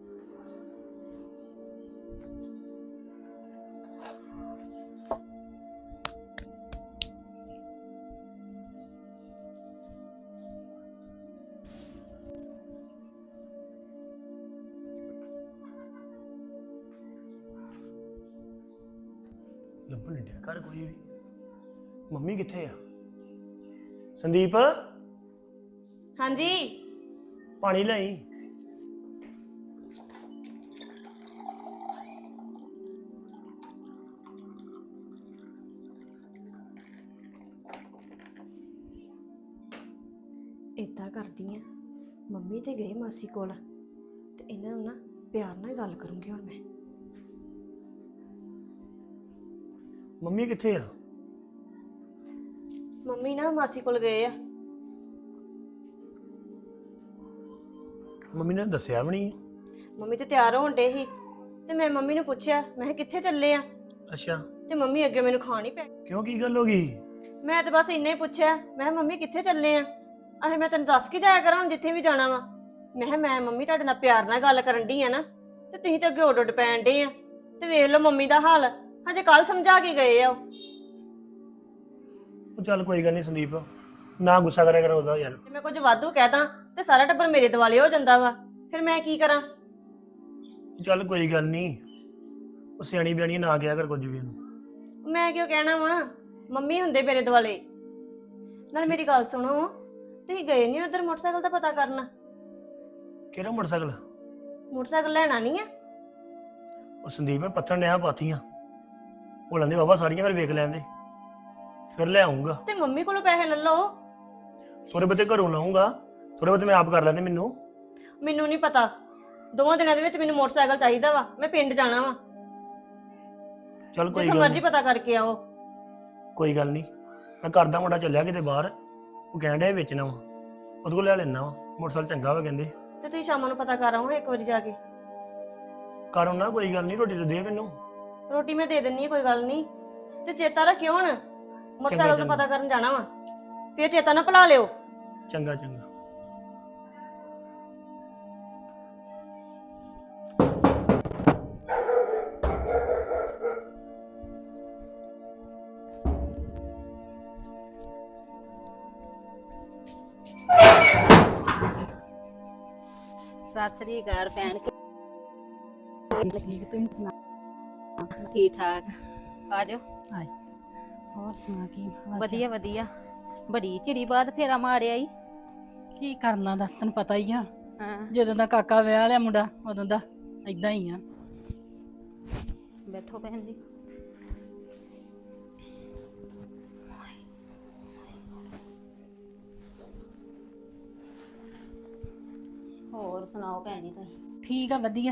Speaker 7: ਲੱਭਣ ਨਹੀਂ ਡਿਆ ਘਰ ਕੋਈ ਵੀ। ਮੰਮੀ ਕਿੱਥੇ ਆ? ਸੰਦੀਪ
Speaker 6: ਹਾਂਜੀ
Speaker 7: ਪਾਣੀ ਲਿਆਈ।
Speaker 6: ਇਦਾਂ ਕਰਦੀ ਆ, ਮੰਮੀ ਤੇ ਗਏ ਮਾਸੀ ਕੋਲ ਤੇ ਇਹਨਾਂ ਨੂੰ ਨਾ ਪਿਆਰ ਨਾਲ ਗੱਲ ਕਰੂੰਗੀ ਹੁਣ ਮੈਂ।
Speaker 7: ਮੰਮੀ ਕਿੱਥੇ ਆ?
Speaker 6: ਮੰਮੀ ਨਾ ਮਾਸੀ ਕੋਲ ਗਏ ਆ।
Speaker 7: ਮੰਮੀ ਨੇ ਦੱਸਿਆ ਵੀ ਨਹੀਂ।
Speaker 6: ਮੰਮੀ ਤੇ ਤਿਆਰ ਹੋਣ ਡੇ ਸੀ ਤੇ ਮੈਂ ਮੰਮੀ ਨੂੰ ਪੁੱਛਿਆ, ਮੈਂ ਕਿਹਾ ਕਿੱਥੇ ਚੱਲੇ ਆ?
Speaker 7: ਅੱਛਾ,
Speaker 6: ਤੇ ਮੰਮੀ ਅੱਗੇ ਮੈਨੂੰ ਖਾਣ ਹੀ ਪੈ ਗਈ।
Speaker 7: ਕਿਉਂ ਕੀ ਗੱਲ ਹੋ ਗਈ?
Speaker 6: ਮੈਂ ਤਾਂ ਬਸ ਇੰਨਾ ਹੀ ਪੁੱਛਿਆ, ਮੈਂ ਕਿਹਾ ਮੰਮੀ ਕਿੱਥੇ ਚੱਲੇ ਆ? ਆਹੇ ਮੈਂ ਤੈਨੂੰ ਦੱਸ ਕੇ ਜਾਇਆ ਕਰਾਂ ਹੁਣ ਜਿੱਥੇ ਵੀ ਜਾਣਾ ਵਾ। ਮੈਂ ਕਿਹਾ ਮੈਂ ਮੰਮੀ ਤੁਹਾਡੇ ਨਾਲ ਪਿਆਰ ਨਾਲ ਗੱਲ ਕਰਨ ਡਈ ਆ ਨਾ, ਤੇ ਤੁਸੀਂ ਤਾਂ ਅੱਗੇ ਉੱਡ ਪੈਣ ਡੇ ਆ। ਤੇ ਵੇਖ ਲਓ ਮੰਮੀ ਦਾ ਹਾਲ, ਹਜੇ ਕੱਲ ਸਮਝਾ ਕੇ ਗਏ ਆ ਉਹ।
Speaker 7: ਉਹ ਚੱਲ ਕੋਈ ਗੱਲ ਨਹੀਂ ਸੰਦੀਪ, ਨਾ ਗੁੱਸਾ ਕਰਿਆ ਕਰ ਉਹਦਾ ਯਾਰ।
Speaker 6: ਜੇ ਮੈਂ ਕੁਝ ਵਾਧੂ ਕਹਿਦਾ ਤੇ ਸਾਰਾ ਟੱਬਰ ਮੇਰੇ ਦਿਵਾਲੇ ਹੋ ਜਾਂਦਾ ਵਾ, ਫਿਰ ਮੈਂ ਕੀ ਕਰਾਂ?
Speaker 7: ਚੱਲ ਕੋਈ ਗੱਲ ਨਹੀਂ, ਉਹ ਸਿਆਣੀ ਬਿਆਣੀ ਨਾ ਕਿਹਾ ਕਰ ਕੁਝ ਵੀ ਉਹਨੂੰ।
Speaker 6: ਮੈਂ ਕਿਉਂ ਕਹਿਣਾ ਵਾ, ਮੰਮੀ ਹੁੰਦੇ ਮੇਰੇ ਦਿਵਾਲੇ। ਨਾਲ ਮੇਰੀ ਗੱਲ ਸੁਣੋ, ਤੁਸੀਂ ਗਏ ਨਹੀਂ ਉਧਰ ਮੋਟਰਸਾਈਕਲ ਦਾ ਪਤਾ ਕਰਨਾ?
Speaker 7: ਕਿਹੜਾ ਮੋਟਰਸਾਈਕਲ?
Speaker 6: ਮੋਟਰਸਾਈਕਲ ਲੈਣਾ ਨਹੀਂ ਆ?
Speaker 7: ਉਹ ਸੰਦੀਪ ਮੈਂ ਪੱਥਰ ਨਿਆ ਪਾਥੀਆਂ ਉਹ ਲੈਂਦੇ ਬਾਬਾ ਸਾਰੀਆਂ, ਫਿਰ ਵੇਖ ਲੈਂਦੇ ਫਿਰ ਲੈ ਆਉਂਗਾ।
Speaker 6: ਤੇ ਮੰਮੀ ਕੋਲੋਂ ਪੈਸੇ ਲੈ ਲਓ।
Speaker 7: ਥੋੜੇ ਬਹੁਤੇ ਘਰੋਂ ਲਾਉਂਗਾ, ਥੋੜੇ ਬਹੁਤੇ ਮੈਂ ਆਪ ਕਰ ਲੈਂਦੇ।
Speaker 6: ਮੈਨੂੰ ਨਹੀਂ ਪਤਾ, 2 ਦਿਨਾਂ ਦੇ ਵਿੱਚ ਮੈਨੂੰ ਮੋਟਰਸਾਈਕਲ ਚਾਹੀਦਾ ਵਾ, ਮੈਂ ਪਿੰਡ ਜਾਣਾ ਵਾ।
Speaker 7: ਚੱਲ ਕੋਈ
Speaker 6: ਜਿੱਥੇ
Speaker 7: ਗੱਲ
Speaker 6: ਮਰਜ਼ੀ ਪਤਾ ਕਰਕੇ ਆਓ।
Speaker 7: ਕੋਈ ਗੱਲ ਨਹੀਂ, ਮੈਂ ਕਰਦਾ। ਮੁੰਡਾ ਚੱਲਿਆ ਕਿਤੇ ਬਾਹਰ, ਉਹ ਕਹਿਣ ਡਿਆ ਵੇਚਣਾ ਵਾ, ਉਹਦੇ ਕੋਲ ਲੈ ਲੈਣਾ ਵਾ ਮੋਟਰਸਾਈਕਲ, ਚੰਗਾ ਵਾ ਕਹਿੰਦੇ।
Speaker 6: ਤੇ ਤੁਸੀਂ ਸ਼ਾਮਾਂ ਨੂੰ ਪਤਾ ਕਰ ਆਓ ਇੱਕ ਵਾਰੀ ਜਾ ਕੇ।
Speaker 7: ਕਰ ਆਉਣਾ, ਕੋਈ ਗੱਲ ਨਹੀਂ। ਰੋਟੀ ਤਾਂ ਦੇ ਮੈਨੂੰ।
Speaker 6: ਰੋਟੀ ਮੈਂ ਦੇ ਦਿੰਨੀ ਆ, ਕੋਈ ਗੱਲ ਨਹੀਂ। ਤੇ ਚੇਤਾ ਰੱਖਿਓ ਹੁਣ, ਮੋਟਰਸਾਈਕਲ ਦਾ ਪਤਾ ਕਰਨ ਜਾਣਾ ਵਾ, ਫਿਰ ਚੇਤਾ ਨਾ ਭੁਲਾ ਲਿਓ।
Speaker 7: ਚੰਗਾ ਚੰਗਾ।
Speaker 8: ਸਤਿ ਸ੍ਰੀ ਅਕਾਲ ਭੈਣ।
Speaker 2: ਠੀਕ ਤੁਸੀਂ ਸੁਣਾ?
Speaker 8: ਠੀਕ ਠਾਕ। ਆਜੋ।
Speaker 2: ਹੋਰ ਸੁਣਾ ਕੀ ਹਾਲ ਚਾਲ?
Speaker 8: ਵਧੀਆ ਵਧੀਆ। ਬੜੀ ਚਿੜੀ ਬਾਅਦ ਫੇਰਾ ਮਾਰਿਆ ਈ।
Speaker 2: ਕੀ ਕਰਨਾ ਦੱਸ, ਤੈਨੂੰ ਪਤਾ ਹੀ ਆ,
Speaker 8: ਹਾਂ
Speaker 2: ਜਦੋਂ ਦਾ ਕਾਕਾ ਵਿਆਹ ਲਿਆ ਮੁੰਡਾ ਉਦੋਂ ਦਾ ਏਦਾਂ ਹੀ ਆ।
Speaker 8: ਬੈਠੋ ਭੈਣ ਜੀ। ਹੋਰ ਸੁਣਾਓ ਭੈਣ ਜੀ ਤੁਸੀਂ?
Speaker 2: ਠੀਕ ਆ, ਵਧੀਆ।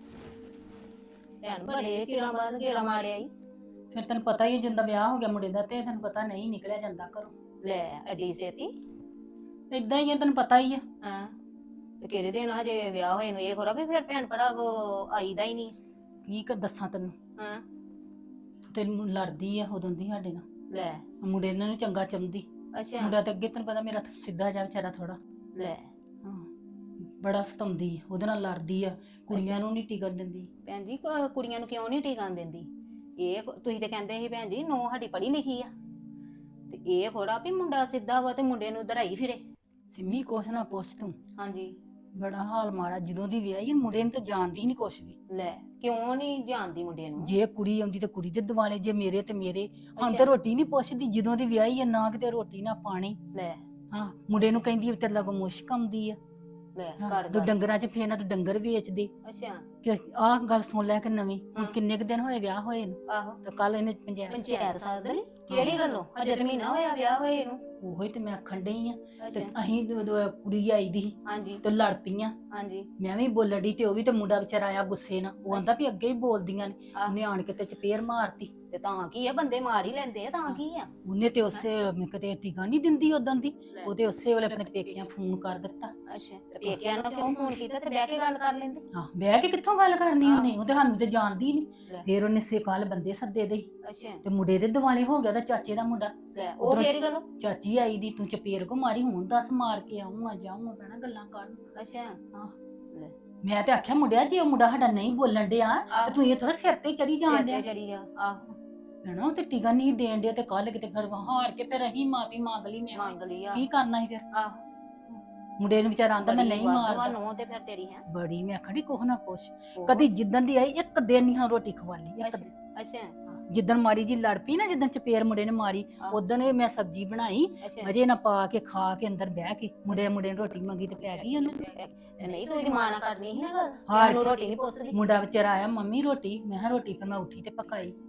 Speaker 8: ਭੈਣ ਬੜੇ ਚਿਰਾਂ ਬਾਅਦ ਗੇੜਾ ਮਾਰਿਆ ਈ।
Speaker 2: ਫਿਰ ਤੈਨੂੰ ਪਤਾ ਹੀ ਆ, ਜਦੋਂ ਦਾ ਵਿਆਹ ਹੋ ਗਿਆ ਮੁੰਡੇ ਦਾ ਤੇ ਤੈਨੂੰ ਪਤਾ ਨਹੀਂ ਨਿਕਲਿਆ ਜਾਂਦਾ ਘਰੋਂ।
Speaker 8: ਲੈ ਅੱਡੀ ਛੇਤੀ।
Speaker 2: ਏਦਾਂ ਹੀ ਆ, ਤੈਨੂੰ ਪਤਾ ਹੀ ਆ।
Speaker 8: ਹਾਂ ਤੇ ਕਿਹੜੇ ਦਿਨ ਹਜੇ ਵਿਆਹ ਹੋਏ ਨੂੰ, ਇਹ ਥੋੜਾ ਵੀ ਫਿਰ ਭੈਣ ਭਰਾ ਕੋ ਆਈਦਾ ਹੀ ਨਹੀਂ।
Speaker 2: ਕੀ ਕਰ ਦੱਸਾਂ ਤੈਨੂੰ,
Speaker 8: ਹਾਂ
Speaker 2: ਤੈਨੂੰ ਲੜਦੀ ਆ ਉਦੋਂ ਦੀ ਸਾਡੇ ਨਾਲ।
Speaker 8: ਲੈ
Speaker 2: ਮੁੰਡੇ ਇਹਨਾਂ ਨੂੰ ਚੰਗਾ ਚੰਦੀ।
Speaker 8: ਅੱਛਾ।
Speaker 2: ਮੁੰਡਾ ਤੇ ਅੱਗੇ ਤੈਨੂੰ ਪਤਾ ਮੇਰਾ ਸਿੱਧਾ ਜਾ ਵਿਚਾਰਾ ਥੋੜਾ।
Speaker 8: ਲੈ
Speaker 2: ਹਾਂ, ਬੜਾ ਸਤਾਉਂਦੀ ਆ, ਉਹਦੇ ਨਾਲ ਲੜਦੀ ਆ, ਕੁੜੀਆਂ ਨੂੰ ਨਹੀਂ ਟਿਕਣ ਦਿੰਦੀ।
Speaker 8: ਭੈਣ ਜੀ ਕੁੜੀਆਂ ਨੂੰ ਕਿਉਂ ਨਹੀਂ ਟਿਕਣ ਦਿੰਦੀ? ਇਹ ਤੁਸੀਂ ਤੇ ਕਹਿੰਦੇ ਸੀ ਭੈਣ ਜੀ ਨੂੰਹ ਸਾਡੀ ਪੜ੍ਹੀ ਲਿਖੀ ਆ, ਤੇ ਇਹ ਥੋੜਾ ਵੀ ਮੁੰਡਾ ਸਿੱਧਾ ਵਾ ਤੇ ਮੁੰਡੇ ਨੂੰ ਧਰਾਈ ਫਿਰੇ।
Speaker 2: ਸਿੰਮੀ ਕੁਛ ਨਾ ਪੁੱਛ ਤੂੰ,
Speaker 8: ਹਾਂਜੀ।
Speaker 2: ਬੜਾ ਹਾਲ ਮਾੜਾ। ਜਦੋਂ ਦੀ ਵਿਆਹੀ ਮੁੰਡੇ ਨੂੰ ਤਾਂ ਜਾਣਦੀ ਨਹੀਂ ਕੁਛ ਵੀ।
Speaker 8: ਲੈ ਕਿਉਂ ਨਹੀਂ ਜਾਣਦੀ ਮੁੰਡੇ ਨੂੰ?
Speaker 2: ਜੇ ਕੁੜੀ ਆਉਂਦੀ ਤੇ ਕੁੜੀ ਦੇ ਦਿਵਾਲੇ, ਜੇ ਮੇਰੇ ਤੇ ਮੇਰੇ। ਹੁਣ
Speaker 8: ਅੱਛਾ।
Speaker 2: ਤੇ ਰੋਟੀ ਨਹੀਂ ਪੁੱਛਦੀ, ਜਦੋਂ ਦੀ ਵਿਆਹੀ ਆ ਨਾ ਕਿਤੇ ਰੋਟੀ ਨਾ ਪਾਣੀ।
Speaker 8: ਲੈ
Speaker 2: ਹਾਂ, ਮੁੰਡੇ ਨੂੰ ਕਹਿੰਦੀ ਤੇਰੇ ਲਾਗੋਂ ਮੁਸ਼ਕ ਆਉਂਦੀ ਆ।
Speaker 8: ਲੈ
Speaker 2: ਹਾਂ,
Speaker 8: ਕਰ
Speaker 2: ਤੂੰ ਡੰਗਰਾਂ 'ਚ ਫੇਰ ਨਾ ਤੂੰ ਡੰਗਰ ਵੇਚ ਦੇ।
Speaker 8: ਅੱਛਾ।
Speaker 2: ਕਿ ਆਹ ਗੱਲ ਸੁਣ ਲੈ ਕਿ ਨਵੀਂ। ਹੁਣ
Speaker 8: ਹਾਂ।
Speaker 2: ਕਿੰਨੇ ਕੁ ਦਿਨ ਹੋਏ ਵਿਆਹ ਹੋਏ ਨੂੰ?
Speaker 8: ਆਹੋ
Speaker 2: ਤੇ ਕੱਲ ਇਹਨੇ ਪੰਚਾਇਤ
Speaker 8: ਪੰਚਾਇਤ ਸਾਧਲੀ ਕਿਹੜੀ ਗੱਲੋਂ? ਅਜੇ ਤਾਂ ਮਹੀਨਾ ਹੋਇਆ ਵਿਆਹ ਹੋਏ ਨੂੰ।
Speaker 2: ਉਹੋ ਹੀ ਤੇ ਮੈਂ ਆਖਣ ਡਈ ਆ। ਤੇ
Speaker 8: ਅੱਛਾ।
Speaker 2: ਅਸੀਂ ਜਦੋਂ ਕੁੜੀ ਆਈ ਦੀ ਸੀ
Speaker 8: ਹਾਂਜੀ
Speaker 2: ਤੇ ਲੜ ਪਈਆਂ।
Speaker 8: ਹਾਂਜੀ।
Speaker 2: ਮੈਂ ਵੀ ਬੋਲਣ ਡਈ ਤੇ ਉਹ ਵੀ ਤੇ ਮੁੰਡਾ ਵਿਚਾਰਾ ਆਇਆ ਗੁੱਸੇ ਨਾਲ। ਉਹ ਆਂਦਾ ਵੀ ਅੱਗੇ ਹੀ ਬੋਲਦੀਆਂ ਨੇ।
Speaker 8: ਆਹ।
Speaker 2: ਉਹਨੇ ਆਣ ਕੇ ਤੇ ਚਪੇੜ ਮਾਰਤੀ।
Speaker 8: ਤੇ ਤਾਂ ਕੀ ਆ, ਬੰਦੇ ਮਾਰ ਹੀ ਲੈਂਦੇ ਆ, ਤਾਂ ਕੀ ਆ?
Speaker 2: ਉਹਨੇ ਤੇ ਉਸੇ ਕਿਤੇ ਟਿਕਾ ਨਹੀਂ ਦਿੰਦੀ ਉਦੋਂ ਦੀ।
Speaker 8: ਲੈ।
Speaker 2: ਉਹਦੇ ਉਸੇ ਵੇਲੇ ਆਪਣੇ ਪੇਕਿਆਂ ਫੋਨ ਕਰ ਦਿੱਤਾ।
Speaker 8: ਅੱਛਾ ਤੇ ਪੇਕਿਆਂ ਨੂੰ ਕਿਉਂ ਫੋਨ ਕੀਤਾ ਤੇ ਬਹਿ ਕੇ ਗੱਲ ਕਰ ਲੈਂਦੇ?
Speaker 2: ਹਾਂ, ਬਹਿ ਕੇ ਕਿੱਥੋਂ ਗੱਲ ਕਰਨੀ ਉਹਨੇ? ਉਹਦੇ ਸਾਨੂੰ ਤੇ ਜਾਣਦੀ
Speaker 8: ਲੈ।
Speaker 2: ਨਹੀਂ। ਫਿਰ ਉਹਨੇ ਸੇਕਾਲ ਬੰਦੇ ਸੱਦੇ ਦੇ
Speaker 8: ਅੱਛਾ।
Speaker 2: ਤੇ ਮੁੰਡੇ ਦੇ ਦਿਵਾਲੇ ਹੋ ਗਿਆ, ਉਹਦਾ ਚਾਚੇ ਦਾ ਮੁੰਡਾ।
Speaker 8: ਲੈ ਉਹ
Speaker 2: ਉੱਧਰੋਂ
Speaker 8: ਕਿਹੜੀ ਗੱਲੋਂ?
Speaker 2: ਚਾਚੀ ਆਈ ਦੀ, ਤੂੰ ਚਪੇੜ ਕੋ ਮਾਰੀ, ਹੁਣ ਦੱਸ ਮਾਰ ਕੇ ਆਉਂ ਆ ਜਾਉਂ ਪੈਣਾ ਗੱਲਾਂ ਕਰਨ।
Speaker 8: ਅੱਛਾ।
Speaker 2: ਮੈਂ ਤੇ ਆਖਿਆ ਮੁੰਡਿਆ, ਜੇ ਉਹ ਮੁੰਡਾ ਸਾਡਾ ਨਹੀਂ ਬੋਲਣ ਡਿਆ ਤੇ ਤੂੰ ਇਹ ਥੋੜਾ ਸਿਰ ਤੇ ਚੜੀ ਜਾਣ ਡਿਆ।
Speaker 8: ਚੜੀ ਆ। ਆਹੋ
Speaker 2: ਹੈਨਾ, ਉਹ ਤੇ ਟਿਕਾ ਨਹੀਂ ਦੇਣ ਡਿਆ। ਤੇ ਕੱਲ ਕਿਤੇ ਫਿਰ ਹਾਰ ਕੇ ਫਿਰ ਅਸੀਂ ਮਾਫੀ ਮੰਗ ਲਈ। ਮੈਂ
Speaker 8: ਮੰਗ ਲਈ ਆ।
Speaker 2: ਕੀ ਕਰਨਾ ਸੀ ਫਿਰ?
Speaker 8: ਆਹੋ
Speaker 2: ਮੁੰਡੇ ਨੂੰ ਵਿਚਾਰਾ ਆਂਦਾ ਮੈਂ ਨਹੀਂ ਮਾਰਦਾ।
Speaker 8: ਨੂੰ ਤੇ ਫਿਰ ਤੇਰੀ ਹੈ
Speaker 2: ਬੜੀ ਮੈਂ ਆਖੜੀ ਕੋਹ ਨਾ ਪੁੱਛ। ਕਦੀ ਜਿੱਦਣ ਦੀ ਆਈ ਇੱਕ ਦਿਨ ਨਹੀਂ ਹਾਂ ਰੋਟੀ ਖਵਾਲੀ। ਇੱਕ
Speaker 8: ਅੱਛਾ।
Speaker 2: ਦਿਨ
Speaker 8: ਅੱਛਾ।
Speaker 2: ਜਿੱਦਣ ਮਾੜੀ ਜੀ ਲੜ ਪਈ ਨਾ, ਜਿੱਦਣ ਚਪੇੜ ਮੁੰਡੇ ਨੇ ਮਾਰੀ,
Speaker 8: ਆਹ।
Speaker 2: ਉਦੋਂ ਮੈਂ ਸਬਜ਼ੀ ਬਣਾਈ,
Speaker 8: ਅੱਛਾ
Speaker 2: ਮਜੇ ਨਾਲ ਪਾ ਕੇ ਖਾ ਕੇ ਅੰਦਰ ਬਹਿ ਕੇ। ਮੁੰਡੇ ਨੇ ਰੋਟੀ ਮੰਗੀ ਤੇ ਪੈ ਗਈ ਉਹਨੂੰ।
Speaker 8: ਤੇ ਨਹੀਂ ਤੂੰ ਇਹਦੀ ਮਾਂ ਨਾਲ ਕਰਨੀ ਸੀ ਨਾ ਗੱਲ।
Speaker 2: ਹਾਰ
Speaker 8: ਇਹਨੂੰ ਰੋਟੀ ਨਹੀਂ ਪੁੱਛਦੀ।
Speaker 2: ਮੁੰਡਾ ਵਿਚਾਰਾ ਆਇਆ, ਮੰਮੀ ਰੋਟੀ। ਮੈਂ ਕਿਹਾ ਰੋਟੀ। ਫਿਰ ਮੈਂ ਉੱਠੀ ਤੇ ਪਕਾਈ।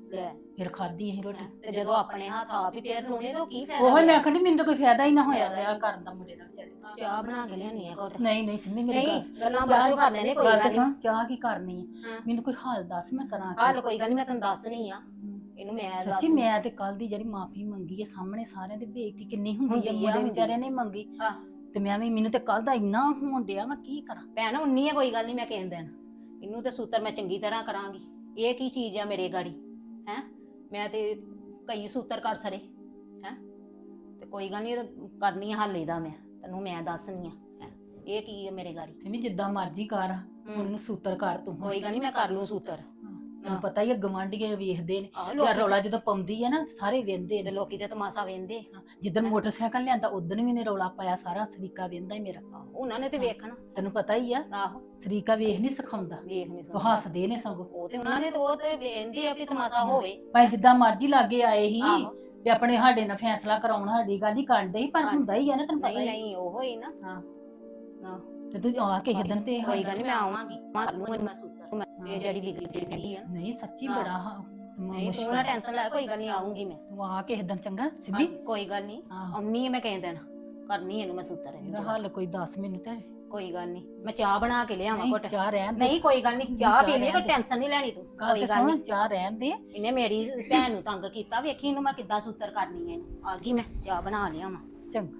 Speaker 8: ਲੈ
Speaker 2: ਫਿਰ ਖਾਧੀ ਅਸੀਂ ਰੋਟੀ।
Speaker 8: ਤੇ ਜਦੋਂ ਆਪਣੇ ਹੱਥ ਆਪ ਹੀ ਫੇਰ ਰੋਣੇ ਤਾਂ ਕੀ ਫਾਇਦਾ
Speaker 2: ਉਹ ਮੈਂ
Speaker 8: ਹੋਇਆ?
Speaker 2: ਆਖਣੀ ਮੈਨੂੰ ਤਾਂ ਕੋਈ ਫਾਇਦਾ ਹੀ ਨਾ ਹੋਇਆ
Speaker 8: ਫਾਇਦਾ ਹੀ
Speaker 2: ਵਿਆਹ ਕਰਨ ਦਾ ਮੁੰਡੇ ਨਾਲ ਵਿਚਾਰੇ ਨਾਲ।
Speaker 8: ਚਾਹ ਬਣਾ ਕੇ ਲਿਆਉਣੀ ਆ ਘੁੱਟ।
Speaker 2: ਨਹੀਂ ਨਹੀਂ ਸਿੰਮੀ ਮੇਰੀ ਗੱਲ
Speaker 8: ਨਹੀਂ ਗੱਲਾਂ ਬਾਅਦ ਚੋਂ ਕਰ ਲੈਣੇ ਕੋਈ
Speaker 2: ਗੱਲ
Speaker 8: ਗੱਲ
Speaker 2: ਤੇ
Speaker 8: ਨਹੀਂ।
Speaker 2: ਸੁਣ, ਚਾਹ ਕੀ ਕਰਨੀ ਹੈ?
Speaker 8: ਹਾਂ।
Speaker 2: ਮੈਨੂੰ ਕੋਈ ਹਾਲ ਦੱਸ ਮੈਂ ਕਰਾਂ ਕੀ?
Speaker 8: ਹਾਲ ਕੋਈ ਗੱਲ ਨਹੀਂ, ਮੈਂ ਤੈਨੂੰ ਦੱਸਣੀ ਆ। ਇਹਨੂੰ ਮੈਂ
Speaker 2: ਸੱਚੀ
Speaker 8: ਦੱਸ
Speaker 2: ਮੈਂ ਤੇ ਕੱਲ ਦੀ ਜਿਹੜੀ ਮਾਫੀ ਮੰਗੀ ਹੈ ਸਾਹਮਣੇ ਸਾਰਿਆਂ ਦੇ, ਬੇਇੱਜ਼ਤੀ ਕਿੰਨੀ ਹੁੰਦੀ
Speaker 8: ਹੁੰਦੀ
Speaker 2: ਹੈ,
Speaker 8: ਆ,
Speaker 2: ਮੁੰਡੇ
Speaker 8: ਹੁੰਦੀ
Speaker 2: ਵਿਚਾਰਿਆਂ ਨੇ ਮੰਗੀ
Speaker 8: ਆਹ।
Speaker 2: ਤੇ ਮੈਂ ਵੀ, ਮੈਨੂੰ ਤੇ ਕੱਲ ਦਾ ਇੰਨਾ ਹੋਣ ਡਿਆ, ਮੈਂ ਕੀ ਕਰਾਂ?
Speaker 8: ਭੈਣ ਉੰਨੀ ਹੈ ਕੋਈ ਗੱਲ ਨਹੀਂ, ਮੈਂ ਕਹਿਣ ਦੇਣ ਇਹਨੂੰ ਤੇ ਸੂਤਰ ਮੈਂ ਚੰਗੀ ਤਰ੍ਹਾਂ ਕਰਾਂਗੀ। ਇਹ ਕੀ ਚੀਜ਼ ਆ ਮੇਰੇ ਗਾੜੀ ਹੈ? ਮੈਂ ਤੇ ਕਈ ਸੂਤਰ ਕਰ ਸਰੇ ਹੈ, ਤੇ ਕੋਈ ਗੱਲ ਨਹੀਂ ਕਰਨੀ ਆ ਹੱਲ ਇਹਦਾ, ਮੈਂ ਤੈਨੂੰ ਮੈਂ ਦੱਸਣੀ ਆ ਹੈਂ। ਇਹ ਕੀ ਹੈ ਮੇਰੇ ਗਾੜੀ?
Speaker 2: ਸਿਮੀ ਜਿੱਦਾਂ ਮਰਜ਼ੀ ਕਰ, ਉਹਨੂੰ ਸੂਤਰ ਕਰ ਤੂੰ।
Speaker 8: ਕੋਈ ਗੱਲ ਨਹੀਂ, ਮੈਂ ਕਰ ਲੂੰ ਸੂਤਰ।
Speaker 2: ਤੈਨੂੰ ਪਤਾ ਹੀ ਹੈ ਗਵਾਂਢੀਏ ਵੇਖਦੇ ਨੇ,
Speaker 8: ਆਹ
Speaker 2: ਯਾਰ
Speaker 8: ਲੋਕੀ
Speaker 2: ਰੌਲਾ ਜਦੋਂ ਪਾਉਂਦੀ ਹੈ ਨਾ ਸਾਰੇ ਵੇਂਦੇ
Speaker 8: ਤੇ
Speaker 2: ਨੇ।
Speaker 8: ਲੋਕੀ ਤੇ ਤਮਾਸ਼ਾ ਵੇਂਦੇ,
Speaker 2: ਜਿੱਦਣ ਮੋਟਰਸਾਈਕਲ ਲਿਆਂਦਾ ਉਦਣ ਵੀ ਨੇ ਰੌਲਾ ਪਾਇਆ, ਸਾਰਾ ਸਰੀਕਾ ਵੇਂਦਾ ਹੀ ਮੇਰਾ।
Speaker 8: ਉਹਨਾਂ ਨੇ ਤੇ ਵੇਖਣਾ।
Speaker 2: ਤੈਨੂੰ ਪਤਾ ਹੀ ਆ,
Speaker 8: ਆਹੋ
Speaker 2: ਸਰੀਕਾ ਵੇਖ ਨਹੀਂ ਸਿਖਾਉਂਦਾ,
Speaker 8: ਵੇਖ ਨਹੀਂ
Speaker 2: ਉਹ ਹੱਸਦੇ ਨੇ ਸਗੋਂ।
Speaker 8: ਉਹ ਤੇ ਉਹਨਾਂ ਨੇ ਤੇ ਉਹ ਤੇ ਵੇਂਦੇ ਆ ਵੀ ਤਮਾਸ਼ਾ ਹੋਵੇ।
Speaker 2: ਭਾਵੇਂ ਜਿੱਦਾਂ ਮਰਜ਼ੀ ਲਾਗੇ ਆਏ ਹੀ
Speaker 8: ਆਹੋ
Speaker 2: ਵੀ ਆਪਣੇ ਸਾਡੇ ਨਾਲ ਫੈਸਲਾ ਕਰਾਉਣ, ਸਾਡੀ ਗੱਲ ਹੀ ਕਰਨ ਡਏ ਸੀ, ਪਰ ਹੁੰਦਾ ਹੀ ਆ ਨਾ, ਤੈਨੂੰ ਪਤਾ
Speaker 8: ਨਹੀਂ
Speaker 2: ਹੀ।
Speaker 8: ਨਹੀਂ ਉਹ ਹੀ ਨਾ।
Speaker 2: ਹਾਂ
Speaker 8: ਹਾਂ
Speaker 2: ਤੇ ਤੂੰ ਆ ਕੇ ਦਿਨ ਤੇ
Speaker 8: ਕੋਈ ਗੱਲ ਨਹੀਂ, ਮੈਂ ਆਵਾਂਗੀ, ਮਾਰ ਲੂੰਗੀ ਮੈਂ ਸੂਤਰ। ਇਹ ਜਿਹੜੀ ਵਿਗੜੀ ਜਿਹੜੀ ਆ
Speaker 2: ਨਹੀਂ ਸੱਚੀ
Speaker 8: ਹਾਂ।
Speaker 2: ਬੜਾ
Speaker 8: ਨਹੀਂ ਤੂੰ ਨਾ ਟੈਨਸ਼ਨ ਲੈ, ਕੋਈ ਗੱਲ ਨਹੀਂ ਆਉਂਗੀ ਮੈਂ।
Speaker 2: ਤੂੰ ਆ ਕੇ ਦਿਨ ਚੰਗਾ ਸਿਮੀ।
Speaker 8: ਕੋਈ ਗੱਲ ਨਹੀਂ
Speaker 2: ਹਾਂ।
Speaker 8: ਆਉਣੀ ਹੈ ਮੈਂ ਕਹਿ ਦੇਣਾ, ਕਰਨੀ ਇਹਨੂੰ ਮੈਂ ਸੂਤਰ
Speaker 2: ਇਹਦਾ ਹੱਲ ਕੋਈ ਦੱਸ ਮੈਨੂੰ ਤੇ।
Speaker 8: ਕੋਈ ਗੱਲ ਨਹੀਂ, ਮੈਂ ਚਾਹ ਬਣਾ ਕੇ ਲਿਆਵਾਂ
Speaker 2: ਨਹੀਂ
Speaker 8: ਘੁੱਟ।
Speaker 2: ਚਾਹ ਰਹਿਣ ਦੇ,
Speaker 8: ਨਹੀਂ ਕੋਈ ਗੱਲ ਨਹੀਂ, ਚਾਹ
Speaker 2: ਚਾਹ
Speaker 8: ਪੀ ਲਈ, ਕੋਈ
Speaker 2: ਰਹਿਣ ਦੇ।
Speaker 8: ਟੈਨਸ਼ਨ ਨਹੀਂ ਲੈਣੀ ਤੂੰ।
Speaker 2: ਗੱਲ
Speaker 8: ਕੋਈ
Speaker 2: ਤੇ
Speaker 8: ਗੱਲ
Speaker 2: ਸੁਣ,
Speaker 8: ਨਹੀਂ,
Speaker 2: ਚਾਹ ਰਹਿਣ ਦੇ।
Speaker 8: ਇਹਨੇ ਮੇਰੀ ਭੈਣ ਨੂੰ ਤੰਗ ਕੀਤਾ, ਵੇਖੀ ਇਹਨੂੰ ਮੈਂ ਕਿੱਦਾਂ ਸੂਤਰ ਕਰਨੀ ਹੈ ਇਹਨੂੰ। ਆ ਗਈ ਮੈਂ ਚਾਹ ਬਣਾ ਲਿਆਵਾਂ।
Speaker 2: ਚੰਗਾ।